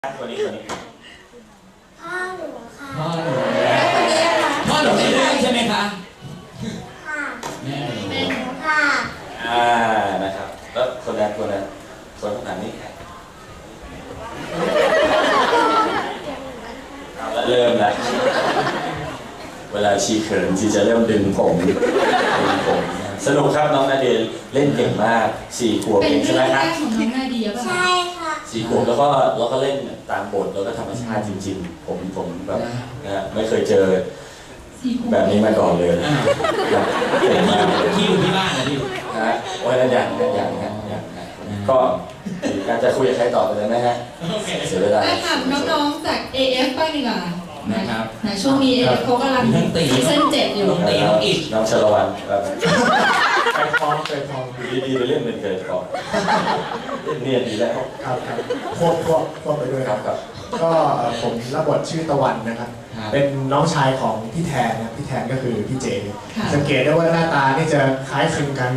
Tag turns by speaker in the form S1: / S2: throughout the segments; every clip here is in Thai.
S1: ตัวนี้
S2: พ่อหนูค่ะ
S3: พ่อหนู
S2: แล้วคนนี้ล่ะคะ
S3: พ่อหนูในเรื่องใช่ไหมคะ
S2: ค่ะ
S3: แม่หนู
S2: เป็นหนูค่ะ
S1: นะครับแล้วคนนั้นส่วนข้างหลังนี่เริ่มแล้วเวลาชีเขินชีจะเริ่มดึงผมสนุกครับน้องนาเดลเล่นเก่งมาก4 ขวบ
S4: เป็น
S1: เองใช่
S4: เรื่
S1: ไหม
S4: อง
S1: ค
S4: แร
S1: รับ
S4: กของน้องนาเดียป่ะ
S2: ใช่ค่ะ
S1: 4 ขวบแล้วก็เล่นตามบทแล้วก็ธรรมชาติจริงๆผมแบบนะไม่เคยเจอแบบนี้มาก่อนเลยเก่งมากเลย
S3: ที่อยู่ที่บ้านนะพี่
S1: นะวันนั้นอย่างก็การจะคุยกับใครต่อไปเลยไหมฮะ
S3: โอเค
S1: เสียเวลา
S4: ได้ถามน้องๆจาก AF บ้างดีกว่า
S3: นะครับ
S4: นะช่วงนี้ AF เขากำลังซีซั่น7อยู่
S3: น้องตีน้องอิด
S1: น้องชลวันแบบเคยทองอยู่ดีๆไปเล่นเป็นเคยทองเล่นเนี่ยดีแล้ว
S5: ครับควบไปด้วย
S1: ครับครับ
S5: ก็ผมรับบทชื่อตะวันนะครับ เป็นน้องชายของพี่แทนนะครับพี่แทนก็คือพี่เจ
S4: ค่ะ
S5: สังเกตได้ว่าหน้าตานี่จะคล้ายคลึงกัน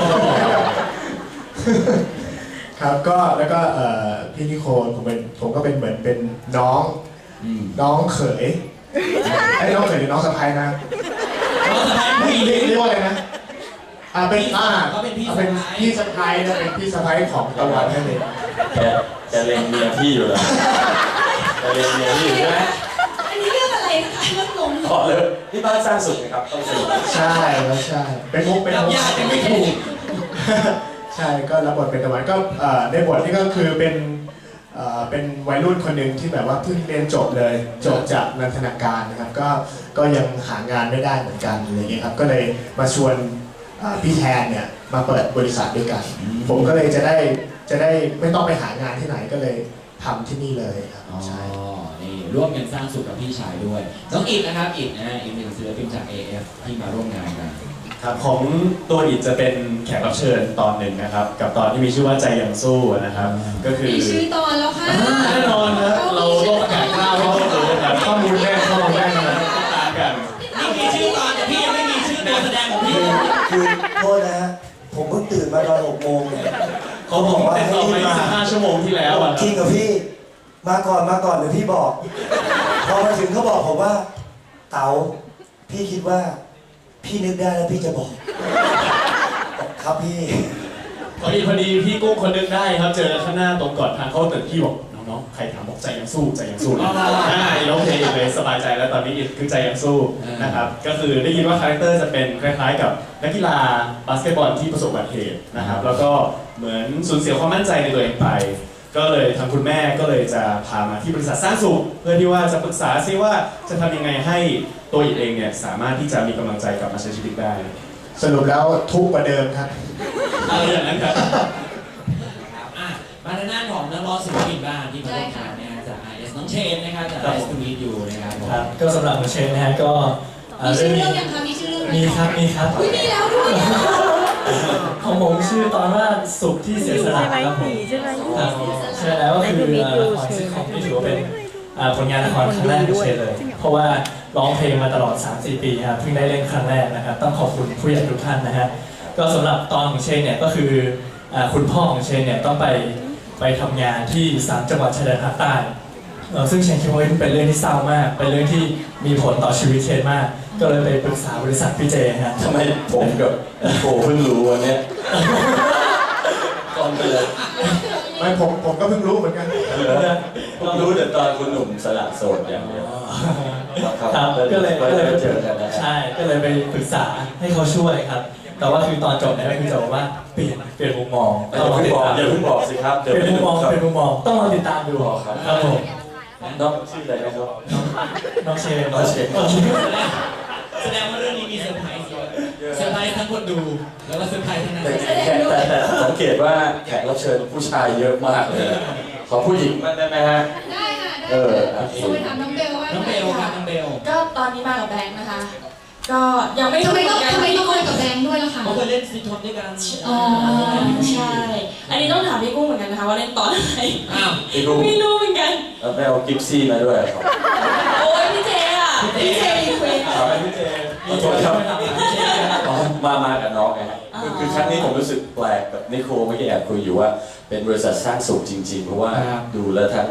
S5: ครับก็แล้วก็พี่นิโคลผมก็เป็นเหมือนเป็นน้องเขยไอ้น้องเขยหรือน้องสะใภ้นะ
S3: น้องสะพ้ายผู้หญิง
S5: เรียกว่าอะไรนะเป็น
S3: เขาเป็นพี่
S5: เป็น
S3: สะใภ้
S5: พี่สะใภ้นะเป็นพี่สะใภ้ของตะวันนั่นเอง
S1: แกเล็งเมียพี่อยู่แล้วแกเล็งเมียพี่อยู่ใช่ไหม
S4: อันนี้เรื่องอะไรนะคะเรื่องลง
S1: ขอเลยที่บ้านสร้างสุขนะครับต้องสนุก
S5: ใช่แล้วใช่เป็นมุก
S3: รับญาติยังไม่ถูก
S5: ใช่ก็รับบทเป็นตะวันก็ในบทนี่ก็คือเป็นวัยรุ่นคนหนึ่งที่แบบว่าเพิ่งเรียนจบเลยจบจากนันทนาการนะครับก็ยังหางานไม่ได้เหมือนกันอะไรเงี้ยครับก็เลยมาชวนพี่แทนเนี่ยมาเปิดบริษัทด้วยกัน ผมก็เลยจะได้ไม่ต้องไปหางานที่ไหนก็เลยทำที่นี่เลยครับ
S3: อ๋อ
S5: ใช่
S3: นี่ร่วมกันสร้างสุขกับพี่ชายด้วย น้องอิดนะครับอิดนะอีกหนึ่งศิลปินจาก AF ที่มาร่วมงานกัน
S6: ครับของตัวอิดจะเป็นแขกรับเชิญตอนหนึ่งนะครับ กับตอนที่มีชื่อว่าใจยังสู้นะครับ ก็คือ
S4: มีชื่อตอนแล้วค่ะ
S6: แน่นอนนะเราโลกอากาศกล้าวให้ทุกคนรู้นะครับข้อมูลแน่นนะครับติดตามกัน
S3: นี่มีชื่อตอนแต่พี่ยังไม่มีชื่อตัวแสดงของพี่
S7: คือโทษนะฮะผมเพิ่งตื่นมาตอน6 โมงเนี่ย
S6: เขาบอกว่าติดต่อไป15 ชั่วโมงที่แล้วอะ
S7: จริงกับพี่มาก่อนเดี๋ยวพี่บอก พอมาถึงเขาบอกผมว่าเต๋าพี่คิดว่าพี่นึกได้แล้วพี่จะบอกครับพี่
S6: พอดีพี่กุ้งคนนึงได้ครับเจอข้างหน้าตรงก่อนทางเข้าตึกพี่บอกน้องๆใครถามบอกใจยังสู้นะร้องเพลงเลยสบายใจแล้วตอนนี้อิดคือใจยังสู้นะครับก็คือได้ยินว่าคาแรคเตอร์จะเป็นคล้ายๆกับนักกีฬาบาสเกตบอลที่ประสบอุบัติเหตุนะครับแล้วก็เหมือนสูญเสียความมั่นใจในตัวเองไป ก็เลยทางคุณแม่ก็เลยจะพามาที่บริษัทสร้างสุขเพื่อที่ว่าจะปรึกษาซิว่าจะทำยังไงให้ตัวอิดเองเนี่ยสามารถที่จะมีกำลังใจกลับมาใช้ชีวิตได้
S5: สรุปแล้วทุกข์กว่าเดิมครับ
S6: อะไรอย่างนั้นครับ
S3: อ่ะมาทางด้านของนักร้องศิลปินบ้างที่มาร่วมงานนะฮะจาก IS น้องเชนนะครับจาก IS to meet you นะครับผม
S8: ครับก็สำหรับน้องเชนนะฮะก็
S4: มีชื่อเรื่องยังคะมีชื่อเรื่องไหม
S8: มีครับ
S4: อุ้ยมีแล้วด้วย
S8: ของผมชื่อตอนว่าสุขที่เสียสละครับผมครับใช่แล้วก็คือละครซิทคอมที่ถือว่าเป็นผลงานละครครั้งแรกของเชนเลย เพราะว่าร้องเพลงมาตลอด 3-4 ปีครับเพิ่งได้เล่นครั้งแรกนะครับต้องขอบคุณผู้ใหญ่ทุกท่านนะฮะก็สำหรับตอนของเชนเนี่ยก็คือคุณพ่อของเชนเนี่ยต้องไปทำงานที่3 จังหวัดชายแดนภาคใต้ซึ่งเชนคิดว่าเป็นเรื่องที่เศร้ามากเป็นเรื่องที่มีผลต่อชีวิตเชนมากก็เลยไปปรึกษาบริษัทพี่เจฮะ
S1: ทำไมผมกับโกเพิ่งรู้วันนี้ก่อนไปเลย
S5: ไม่ผมก็เพิ่งรู้เหมือนกัน
S1: ผมรู้แต่ตอนคุณหนุ่มสละโสดอย่างเดียว
S8: ครับก็เลย
S1: เจอกันนะ
S8: ใช่ก็เลยไปปรึกษาให้เขาช่วยครับ แต่ว่าคือตอนจบเนี่ยก็คือจะบอกว่าเปลี่ยนมุมมอง
S1: อย่าเพิ่งบอกสิครับ
S8: เปลี่ยนมุมมองต้องรอติดตามดูครับผม
S1: น้องชื่ออะไรนะครับ
S8: น้องเชน
S3: แสดงว่าเรื่องนี้มีเซอร์ไพรส์เยอะเซอร์ไพรส์ทั้งคนดูแล้วก็เซอร์ไพรส์ทั้งนักแสดง
S1: แต่สังเกตว่าแขกรับเชิญผู้ชายเยอะมากเลยขอผู้หญิงบ้างได้ไหมฮะ
S4: ได้ค่ะได้
S1: เออ
S4: ค่ะไปถามน้องเบลว่า
S3: น้องเบลครับน้องเบล
S9: ก็ตอนนี้มากับแบงค์นะคะ ก็ยังไม่
S4: ทำไม
S9: รู้
S4: ต้อง
S9: เหมือนกัน
S4: มากับแบงค์ด้วยล่ะคะ
S3: เขาเคยเล่นซีทอมด้วยกัน
S9: อ๋อใช่ อันนี้ต้องถามพี่กุ้งเหมือนกันนะคะว่าเล่นตอนไหน
S3: อ้าว
S1: พี่กุ้ง
S9: ไม่รู้เหมือนกัน
S1: แล้วไปเอากิฟซี่มาด้วยครับ
S9: โอ้ยพี่เจอ่ะพี่เจรีเควส
S1: พี่เจขอโทษครับมากับน้องไงฮะคือครั้งนี้ผมรู้สึกแปลกกับนิโคเมื่อกี้แอบคุยอยู่ว่าเป็นบริษัทสร้างสุขจริงๆเพราะว่าดูแล้วทั้ง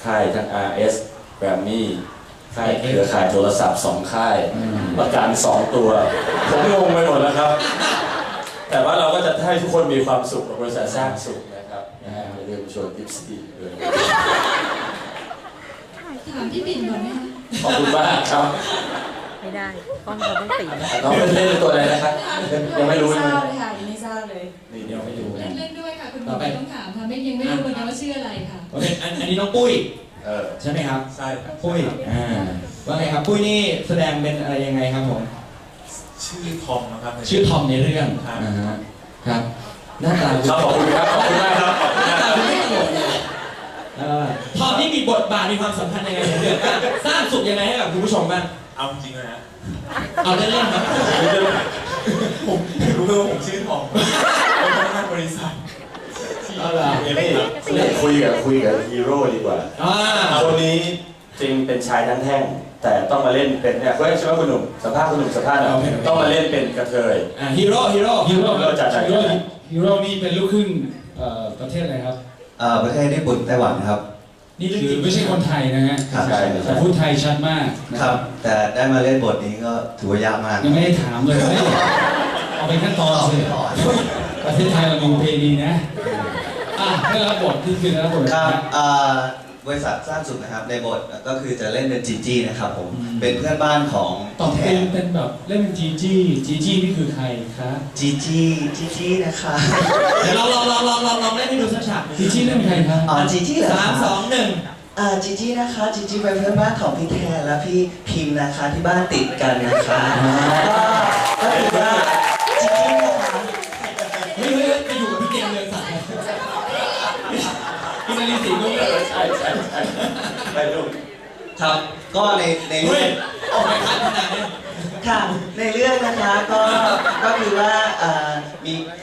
S1: ค่ายทั้ง RS แกรมมี่ค่ายเครือข่ายโทรศัพท์2ค่ายประกัน2ตัวผมงงไปหมดแล้วครับ แต่ว่าเราก็จะให้ทุกคนมีความสุขกับบริษัทสร้างสุขนะครับอย่าลืมชวนทิปซี่ด้วย
S4: ถามพี่ปิ่นก่อนไหมคะ
S1: ขอบคุณมากครับ
S10: ไม่ได้กล้องเราต้องติด
S1: น้องเล่นเป็นตัวอะไรนะครับยังไม่รู้
S9: ไม่
S1: ใช่
S9: ท
S1: ไหม
S9: ราบเลยค่ะยังไม่ทราบเลย
S1: นี่เดี๋ยวไม่รู้
S4: เล่นด้วยค่ะคุณหมอไม่ต้องถามค่ะยังไม่รู้เหมือนกันว่าชื่ออะไรค่ะ
S3: โอเคอันนี้น้องปุ้ย ใช่ไหมครับ
S1: ใช่ครับ
S3: ปุ้ยว่าไงครับปุ้ยนี่แสดงเป็นอะไรยังไงครับผม
S6: ชื่อทอมนะครับ
S3: ชื่อทอมในเรื่องครับหน้าตา
S1: ครับขอบคุณครับขอบคุณมากครับขอบคุณ
S3: หน้าม
S1: าก
S3: ตาไม่ตลกทอมนี่มีบทบาทมีความสำคัญยังไงในเรื่องบ้างสร้างสุขยังไงให้กับคุณผู้ชมบ้าง
S6: เอาจริงเลยนะ
S3: เอาเล่นๆครับ
S6: ผมรู้เลยว่าผมชื่อทอมเป็นพนักงานบริษัท
S3: เอาล่ะ
S1: นี่คุยกับฮีโร่ดีกว่า คนนี้จริงเป็นชายทั้งแท่ง แต่ต้องมาเล่นเป็นเนี่ยคุณใช่ไหมคุณหนุ่มสัมภาษณ์คุณหนุ่มสัมภาษณ์หน่อยต้องมาเล่นเป็นกระเทย
S3: ฮีโร่
S1: เราจัดไหน
S8: ฮีโร่นี่เป็นลูกครึ่งประเทศอะไรครับ
S7: ประเทศญี่ปุ่นไต้หวันครับ
S3: นี่เรื่อง
S8: คื
S3: จริ
S8: อง ไม่ใช่คนไทยนะฮะ
S7: ครับ
S8: แต่พูดไทยชัดมากนะครับ
S7: แต่ได้มาเล่นบทนี้ก็ถือว่ายากมาก
S8: ยังไม่ได้ถามเลยเอาเป็นขั้นตอนสิประเทศไทยเรามีประเพณีนะได้รับบทที่คือได้รับบท
S7: ครับบริษัทสร้างสุขนะครับในบทก็คือจะเล่นเป็นจีจี้นะครับผมเป็นเพื่อนบ้านของ
S8: ตอบเป็นแบบเล่นเป็นจีจี้นี่คือใครคะ
S7: จีจี้นะคะ
S3: เดี๋ยวเราลองเล่นให้ดูสักฉาก
S8: จีจี้เล่นเป็นใครคะ
S7: อ๋อจีจี้เหรอ
S3: 3 2 1
S7: จีจี้นะคะจีจี้เป็นเพื่อนบ้านของพี่แทนและพี่พิมพ์นะคะที่บ้านติดกันนะคะก็ถือว่าจีจี้นะคะ
S3: เฮ้ยไปอยู่กับพี่เกมเรืองศักดิ์พี่นารีศรีนุ่มเลย
S1: ใช่ไปลูก
S7: ครับก็ในเรื่อง
S3: ออกไปคัดขนาดนี้
S7: ค่ะในเรื่องนะคะก็คือว่ามี